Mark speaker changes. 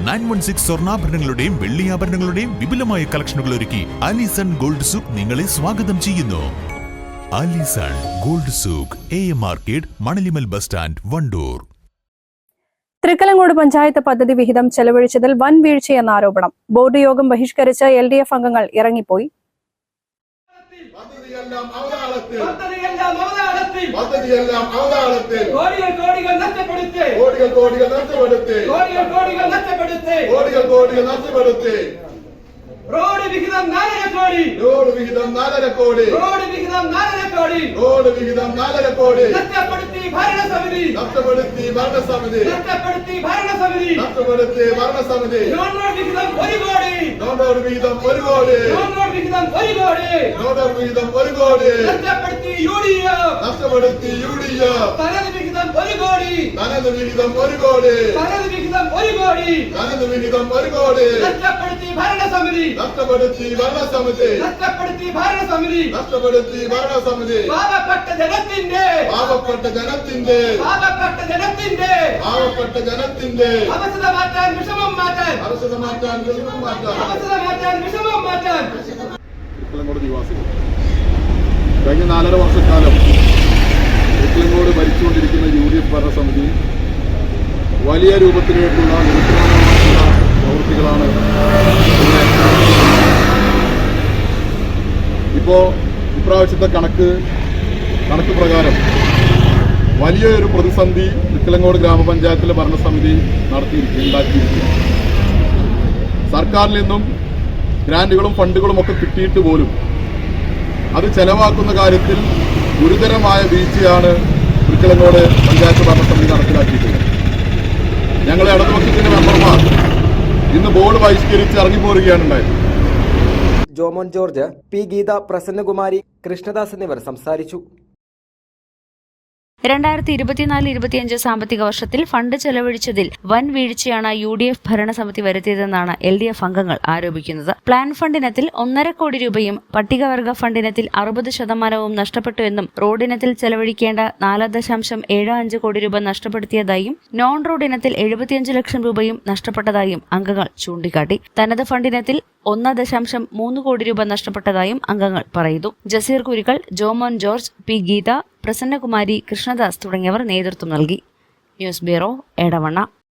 Speaker 1: 916 സ്വർണ്ണാഭരണങ്ങളുടെയും വെള്ളിയാഭരണങ്ങളുടെയും വിപുലമായ കളക്ഷനുകൾ ഒരുക്കി Alison Gold souk നിങ്ങളെ സ്വാഗതം ചെയ്യുന്നു. Alison Gold Souk, AM market, Manalimal bus stand, Wandoor.
Speaker 2: Thrikkalangode panchayat പദ്ധതി വിഹിതം ചെലവഴിച്ചതിൽ വൻ വീഴ്ചയെന്ന ആരോപണം. ബോർഡ് യോഗം ബഹിഷ്കരിച്ച് LDF അംഗങ്ങൾ ഇറങ്ങിപ്പോയി.
Speaker 3: റോഡ് വിഹിതം 4.5 കോടി. റോഡ് വിഹിതം 4.5 കോടി. റോഡ് വിഹിതം 4.5 കോടി. റോഡ് വിഹിതം 4.5 കോടി. നഷ്ടപ്പെടുത്തി ഭരണസമിതി. നഷ്ടപ്പെടുത്തി ഭരണസമിതി. നഷ്ടപ്പെടുത്തി ഭരണസമിതി. നഷ്ടപ്പെടുത്തി ഭരണസമിതി. നോൺ റോഡ് വിഹിതം 1 കോടി. നോൺ റോഡ് വിഹിതം 1 കോടി. നോൺ റോഡ് വിഹിതം 1 കോടി. നോൺ റോഡ് വിഹിതം 1 കോടി. നഷ്ടപ്പെടുത്തി UDF. നഷ്ടപ്പെടുത്തി UDF. തനത് വിഹിതം 1 കോടി. തനത് വിഹിതം 1 കോടി. തനത് വിഹിതം 1 കോടി. തനത് വിഹിതം 1 കോടി. നഷ്ടപ്പെടുത്തി ഭരണസമിതി. നഷ്ടപ്പെടുത്തി ഭരണസമിതി. നഷ്ടപ്പെടുത്തി ഭരണസമിതി. നഷ്ടപ്പെടുത്തി ഭരണസമിതി. പാവപ്പെട്ട ജനത്തിന്റെ പാവപ്പെട്ട ജനത്തിന്റെ പാവപ്പെട്ട ജനത്തിന്റെ പാവപ്പെട്ട ജനത്തിന്റെ അവസ്ഥ മാറ്റാൻ വിഷമം മാറ്റാൻ അവസ്ഥ മാറ്റാൻ വിഷമം മാറ്റാൻ അവസ്ഥ മാറ്റാൻ വിഷമം മാറ്റാൻ തൃക്കലങ്ങോട് നിവാസികൾ കഴിഞ്ഞ 4.5 വർഷക്കാലം തൃക്കലങ്ങോട് ഭരിച്ചുകൊണ്ടിരിക്കുന്ന UDF ഭരണസമിതി വലിയ രൂപത്തിലേക്കുള്ള നിരുത്തരവാദമായിട്ടുള്ള പ്രവൃത്തികളാണ് ഇപ്രാവശ്യത്തെ കണക്ക് പ്രകാരം വലിയൊരു പ്രതിസന്ധി തൃക്കലങ്ങോട് ഗ്രാമപഞ്ചായത്തിലെ ഭരണസമിതി ഉണ്ടാക്കിയിരിക്കുന്നു. സർക്കാരിൽ നിന്നും ഗ്രാന്റുകളും ഫണ്ടുകളും ഒക്കെ കിട്ടിയിട്ട് പോലും അത് ചെലവാക്കുന്ന കാര്യത്തിൽ ഗുരുതരമായ വീഴ്ചയാണ് തൃക്കലങ്ങോട് പഞ്ചായത്ത് ഭരണസമിതി നടപ്പിലാക്കിയിട്ടുള്ളത്. ഞങ്ങളെ ഇടതുപക്ഷത്തിന്റെ മെമ്പർമാർ ഇന്ന് ബോർഡ് ബഹിഷ്കരിച്ച് ഇറങ്ങിപ്പോരുകയാണ് ഉണ്ടായത്.
Speaker 4: Jomon George, P. ഗീത, പ്രസന്നകുമാരി, കൃഷ്ണദാസ് എന്നിവർ സംസാരിച്ചു.
Speaker 5: 2024-25 സാമ്പത്തിക വർഷത്തിൽ ഫണ്ട് ചെലവഴിച്ചതിൽ വൻ വീഴ്ചയാണ് UDF ഭരണസമിതി വരുത്തിയതെന്നാണ് LDF അംഗങ്ങൾ ആരോപിക്കുന്നത്. പ്ലാൻ ഫണ്ടിനത്തിൽ 1.5 കോടി രൂപയും പട്ടികവർഗ ഫണ്ടിനത്തിൽ 60% നഷ്ടപ്പെട്ടുവെന്നും റോഡിനത്തിൽ ചെലവഴിക്കേണ്ട 4.75 കോടി രൂപ നഷ്ടപ്പെടുത്തിയതായും നോൺ റോഡിനത്തിൽ 75 ലക്ഷം രൂപയും നഷ്ടപ്പെട്ടതായും അംഗങ്ങൾ ചൂണ്ടിക്കാട്ടി. തനത് ഫണ്ടിനത്തിൽ 1.3 കോടി രൂപ നഷ്ടപ്പെട്ടതായും അംഗങ്ങൾ പറയുന്നു. Jaseer Kurikkal, Jomon George, P. ഗീത, പ്രസന്നകുമാരി, കൃഷ്ണദാസ് തുടങ്ങിയവർ നേതൃത്വം നൽകി. News bureau, Edavanna.